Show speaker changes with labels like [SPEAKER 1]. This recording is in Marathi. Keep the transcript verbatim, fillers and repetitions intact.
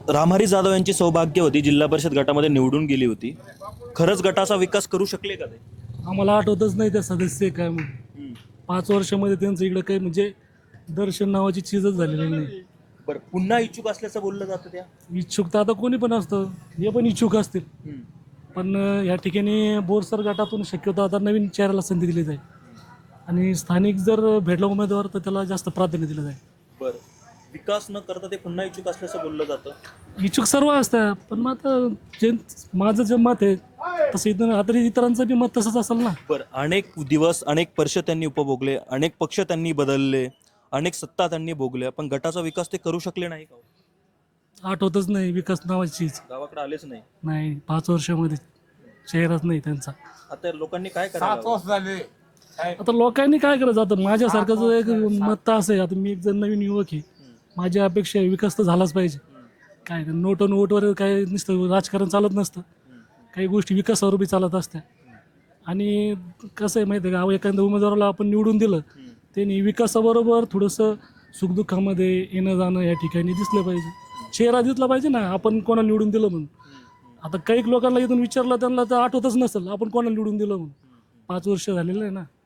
[SPEAKER 1] रामहरी जाधव यांची सौभाग्यवती जिल्हा परिषद गटामध्ये निवडून गेली होती. खरंच गटाचा विकास करू शकले का ते?
[SPEAKER 2] आम्हाला आठवतच नाही त्या सदस्य काय म्हणून. पाच वर्षामध्ये त्यांचं इकडं काही म्हणजे दर्शन नावाची चीजच झालेली नाही.
[SPEAKER 1] बरं, पुन्हा इच्छुक असल्याचं बोललं जातं त्या.
[SPEAKER 2] इच्छुक तर आता कोणी पण असतं, हे पण इच्छुक असतील. पण अं, या ठिकाणी बोरसर गटातून शक्यतो आता नवीन चेहऱ्याला संधी दिली जाईल आणि स्थानिक जर भेटला उमेदवार तर त्याला जास्त प्राधान्य दिलं जाईल.
[SPEAKER 1] बरं, विकास न करता ते पुन्हा इच्छुक असल्याचं बोललं जातं.
[SPEAKER 2] इच्छुक सर्व असतात, पण मग आता जे माझं जे मत आहे तसं इथं आता इतरांचं बी मत तसंच असेल ना.
[SPEAKER 1] बरं, अनेक दिवस अनेक वर्ष त्यांनी उपभोगले, अनेक पक्ष त्यांनी बदलले, अनेक सत्ता त्यांनी भोगल्या, पण गटाचा विकास ते करू शकले नाही का?
[SPEAKER 2] आठवतच नाही विकास नावाची चीज.
[SPEAKER 1] गावाकडे आलेच नाही.
[SPEAKER 2] नाही, पाच वर्षामध्ये चेहराच नाही त्यांचा.
[SPEAKER 1] आता लोकांनी काय करायला?
[SPEAKER 2] आता लोकांनी काय करायचं? आता माझ्यासारखं जो एक मत तर असं आहे, आता मी एक जण नवीन युवक आहे, माझी अपेक्षा आहे विकास तर झालाच पाहिजे. काय नोट अन वोटवर काय नुसतं राजकारण चालत नसतं, काही गोष्टी विकासावर बी चालत असत्या. आणि कसं आहे माहिती आहे का, एखाद्या उमेदवाराला आपण निवडून दिलं त्यांनी विकासाबरोबर थोडंसं सुखदुःखामध्ये येणं जाणं या ठिकाणी दिसलं पाहिजे, चेहरा दिसला पाहिजे ना आपण कोणाला निवडून दिलं म्हणून. आता काही लोकांना इथून विचारलं त्यांना तर आठवतच नसेल आपण कोणाला निवडून दिलं म्हणून. पाच वर्ष झालेलं आहे ना.